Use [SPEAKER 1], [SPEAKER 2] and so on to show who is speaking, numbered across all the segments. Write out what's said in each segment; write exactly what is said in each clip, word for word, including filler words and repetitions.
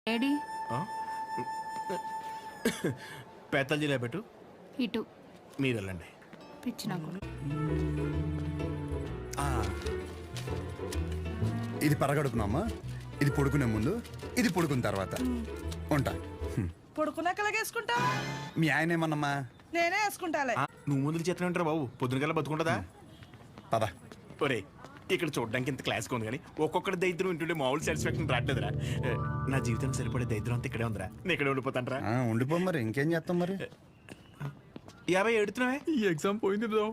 [SPEAKER 1] AD
[SPEAKER 2] పేతల్జీలో పెట్టు.
[SPEAKER 1] ఇటు
[SPEAKER 2] మీరు వెళ్ళండి.
[SPEAKER 1] పిచ్చి నాకు.
[SPEAKER 3] ఇది పరగడుపునమ్మా, ఇది పొడుకునే ముందు, ఇది పొడుకున్న తర్వాత ఉంటా.
[SPEAKER 4] పొడుకున్నాక వేసుకుంటా.
[SPEAKER 3] మీ ఆయన ఏమన్నమ్మా?
[SPEAKER 4] నేనే వేసుకుంటాలే.
[SPEAKER 2] నువ్వు ముందు చేతనే ఉంటారు బాబు, పొద్దునకల్లా బతుకుంటుందా?
[SPEAKER 3] పద.
[SPEAKER 2] ఒరే ఇక్కడ చూడడానికి ఇంత క్లాస్గా ఉంది కానీ ఒక్కొక్కటి దరిద్రం వింటుంటే మామూలు సాటిస్ఫాక్షన్ రావట్లేదురా. నా జీవితం సరిపడే దరిద్రం అంతా ఇక్కడే ఉందిరా. నేను ఇక్కడే ఉండిపోతానరా.
[SPEAKER 3] ఆ, ఉండిపో మరి, ఇంకేం చేస్తాం మరి.
[SPEAKER 2] యాభై ఎడుతున్నావే, ఈ ఎగ్జామ్ పోయింది బ్రో.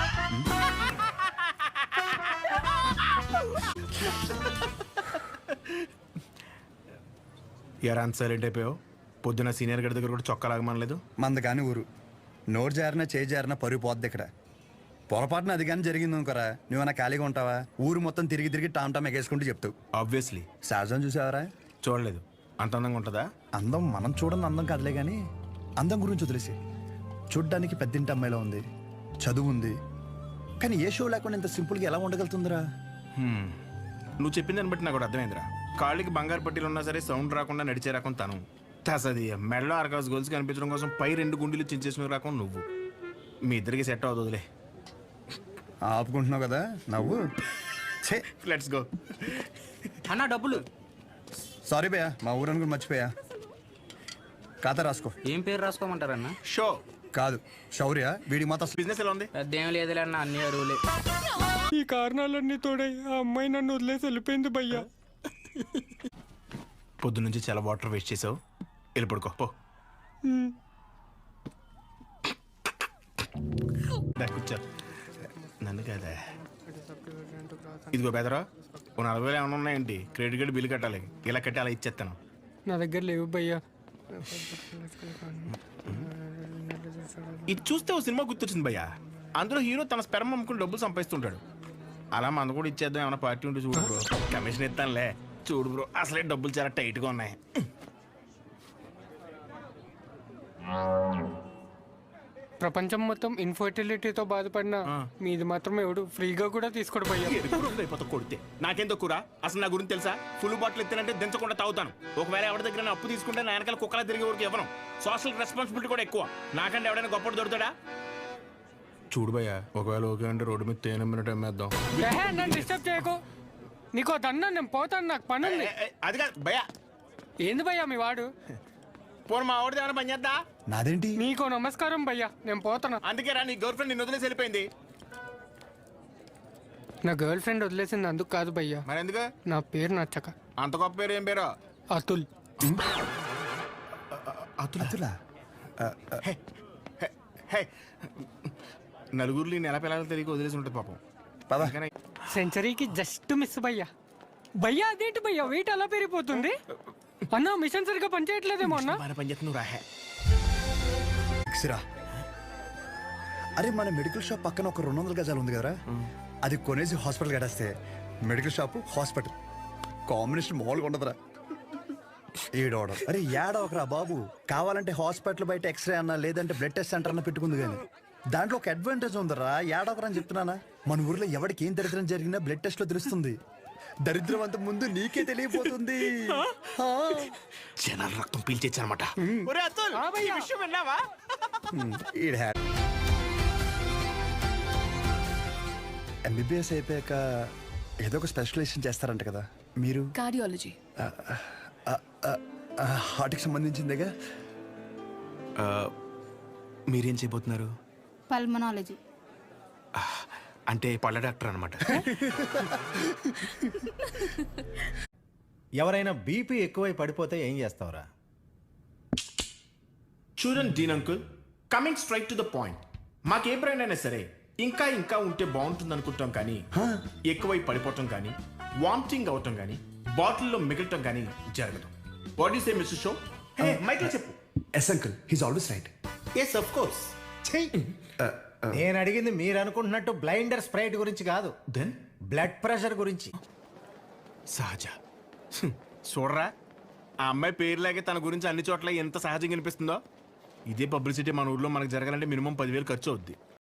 [SPEAKER 2] ఎరా అంత సైలెంట్ అయిపోయావు? పొద్దున సీనియర్ గడి దగ్గర కూడా చొక్కా లాగమనలేదు.
[SPEAKER 3] మంద కానీ ఊరు నోరు జారినా చేయి జారినా పరుగు పోద్ది ఇక్కడ. పొరపాటున అది కానీ జరిగింది అనుకోరా, నువ్వన్నా ఖాళీగా ఉంటావా? ఊరు మొత్తం తిరిగి తిరిగి టామ్ టామ్ ఎగేసుకుంటూ చెప్తావు.
[SPEAKER 2] ఆబ్వియస్లీ.
[SPEAKER 3] సహజం చూసావరా?
[SPEAKER 2] చూడలేదు. అంత అందంగా ఉంటుందా?
[SPEAKER 3] అందం మనం చూడని అందం కాదులే కానీ అందం గురించి వదిలేసి, చూడ్డానికి పెద్దింటి అమ్మాయిలో ఉంది, చదువు ఉంది, కానీ ఏ షో లేకుండా ఇంత సింపుల్గా ఎలా ఉండగలుగుతుందిరా?
[SPEAKER 2] హ్మ్. నువ్వు చెప్పిన దాన్ని బట్టి నాకు కూడా అర్థమైందిరా. కాళ్ళకి బంగారు పట్టీలు ఉన్నా సరే సౌండ్ రాకుండా నడిచే రకం తను. తసది మెడలో ఆర్కాస్ గోల్స్ కనిపించడం కోసం పై రెండు గుండెలు చించేసిన రకం నువ్వు. మీ ఇద్దరికి సెట్ అవుతుందిలే.
[SPEAKER 3] ఆపుకుంటున్నావు కదా నవ్వు.
[SPEAKER 2] Let's go.
[SPEAKER 5] అన్న డబ్బులు.
[SPEAKER 3] సారీ భయ్యా, మా ఊరని కూడా మర్చిపోయా. ఖాతా రాసుకో.
[SPEAKER 5] ఏం పేరు రాసుకోమంటారన్న?
[SPEAKER 2] షో
[SPEAKER 3] కాదు శౌర్య. వీడి మాత్రం
[SPEAKER 2] బిజినెస్ ఎలా ఉంది?
[SPEAKER 5] పెద్ద ఏం లేదులే అన్న, అన్ని అరువులే.
[SPEAKER 6] ఈ కారణాలన్నీ తోడై ఆ అమ్మాయి నన్ను వదిలేసి వెళ్ళిపోయింది భయ్యా.
[SPEAKER 2] పొద్దు నుంచి చాలా వాటర్ వేస్ట్ చేసావు, వెళ్ళి పడుకో పో. కూర్చో. నన్ను కదా. ఇదిగో బెదరా, ఓ నలభై వేలు ఏమైనా ఉన్నాయండి? క్రెడిట్ కార్డు బిల్లు కట్టాలి, ఇలా కట్టి అలా ఇచ్చేస్తాను.
[SPEAKER 6] నా దగ్గర లేవు భయ్యా.
[SPEAKER 2] ఇది చూస్తే ఓ సినిమా గుర్తొచ్చింది భయ్యా. అందులో హీరో తన స్పెర్మ్ అమ్ముకుని డబ్బులు సంపాదిస్తుంటాడు. అలా మన కూడా ఇచ్చేద్దాం, ఏమైనా పార్టీ ఉంటే చూడు బ్రో. కమిషన్ ఇస్తానులే. చూడు బ్రో, అసలే డబ్బులు చాలా టైట్గా ఉన్నాయి.
[SPEAKER 6] ప్రపంచం మొత్తం ఇన్ఫర్టిలిటీతో బాధపడిన మీది మాత్రం ఎవడు ఫ్రీగా కూడా తీసుకోడు భయ్యా.
[SPEAKER 2] అయిపోతా కొడితే నాకేం తక్కువ? అసలు నా గురించి తెలుసా? ఫుల్ బాటిల్ ఎత్తినంటే దించకుండా తాగుతాను. ఒకవేళ ఎవరి దగ్గర అప్పు తీసుకుంటే నా వెనకాల కుక్కలా తిరిగే వరకు ఇవ్వను. సోషల్ రెస్పాన్సిబిలిటీ కూడా ఎక్కువ. నాకంటే ఎవడైనా గొప్పడు దొరుకుతాడా? చూడు భయ్యా, ఒకవేళ ఓకే అంటే రోడ్డు మీద తేనె మినిట్ అమ్మేద్దాం.
[SPEAKER 6] నన్ను డిస్టర్బ్ చేయకు. నీకో దన్నా, నేను పోతాను, నాకు పని ఉంది.
[SPEAKER 2] అది కాదు భయ్యా.
[SPEAKER 6] ఏంది భయ్యా మీ వాడు?
[SPEAKER 2] పోను మా ఆవిడది ఏమైనా పని చేద్దా?
[SPEAKER 3] నాదేంటి?
[SPEAKER 6] నీకో నమస్కారం భయ్యా, నేను పోతాను.
[SPEAKER 2] అందుకే రా, నీ గర్ల్ ఫ్రెండ్ నిన్ను వదిలేసి వెళ్ళిపోయింది.
[SPEAKER 6] నా గర్ల్ ఫ్రెండ్ వదిలేసింది అందుకు కాదు భయ్యా.
[SPEAKER 2] మరి ఎందుకు?
[SPEAKER 6] నా పేరు నచ్చక.
[SPEAKER 2] అంత గొప్ప పేరు ఏం పేరు?
[SPEAKER 6] అతుల్.
[SPEAKER 3] అతులా?
[SPEAKER 2] హే, హే, హే. నలుగురిలో నెల పిల్లలు తెలియక వదిలేసి ఉంటుంది పాపం.
[SPEAKER 3] పద.
[SPEAKER 6] సెంచరీకి జస్ట్ మిస్ భయ్యా. భయ్యా అదేంటి భయ్యా వెయిట్ అలా పెరిగిపోతుంది? అన్నా మిషన్ సరిగ్గా పనిచేయట్లేదేమో అన్నా.
[SPEAKER 2] పని చేస్తున్నావు రా.
[SPEAKER 3] సిరా, అరే మన మెడికల్ షాప్ పక్కన ఒక రెండు వందల గజాలు ఉంది కదరా, అది కొనేసి హాస్పిటల్ కట్టేస్తే మెడికల్ షాప్ హాస్పిటల్ కాంబినేషన్ మామూలుగా ఉండదురా. ఏడవడం అరే ఏడవకరా బాబు. కావాలంటే హాస్పిటల్ బయట ఎక్స్రే అన్నా లేదంటే బ్లడ్ టెస్ట్ సెంటర్ అన్న పెట్టుకుంది, కానీ దాంట్లో ఒక అడ్వాంటేజ్ ఉందరా. ఏడవకరా అని చెప్తున్నానా. మన ఊర్లో ఎవరికి ఏం దరిద్రం జరిగినా బ్లడ్ టెస్ట్ లో తెలుస్తుంది. దరిద్రం అంత ముందు నీకే తెలియపోతుంది.
[SPEAKER 2] జనాల రక్తం పీల్చేచ్చనమాట.
[SPEAKER 3] ఎంబీబీఎస్ అయిపోయాక ఏదో ఒక స్పెషలైజేషన్ చేస్తారంట కదా మీరు?
[SPEAKER 1] కార్డియాలజీ.
[SPEAKER 3] హార్ట్కి సంబంధించిందేగా.
[SPEAKER 2] మీరేం చేయబోతున్నారు?
[SPEAKER 1] పల్మనాలజీ.
[SPEAKER 2] అంటే పళ్ళ డాక్టర్ అనమాట.
[SPEAKER 7] ఎవరైనా బీపీ ఎక్కువై పడిపోతే ఏం చేస్తావురా?
[SPEAKER 2] చూడండి Dean uncle, coming straight to the point. మాకే బ్రాండ్ అయినా సరే ఇంకా ఇంకా ఉంటే బాగుంటుంది అనుకుంటాం, కానీ ఎక్కువై పడిపోవటం కానీ వామిటింగ్ అవటం కానీ బాటిల్లో మిగలటం కానీ జరగదు. What is a mister show? మైక్లో చెప్పు.
[SPEAKER 3] Yes uncle, he's always right.
[SPEAKER 2] Yes of course.
[SPEAKER 7] నేను అడిగింది మీరు అనుకుంటున్నట్టు బ్లైండర్ స్ప్రైట్ గురించి కాదు,
[SPEAKER 2] దెన్
[SPEAKER 7] బ్లడ్ ప్రెషర్ గురించి.
[SPEAKER 2] సహజ. చూడరా, ఆ అమ్మాయి పేరులాగే తన గురించి అన్ని చోట్ల ఎంత సహజంగా అనిపిస్తుందో. ఇదే పబ్లిసిటీ మన ఊర్లో మనకు జరగాలంటే మినిమం పదివేలు ఖర్చు అవుద్ది.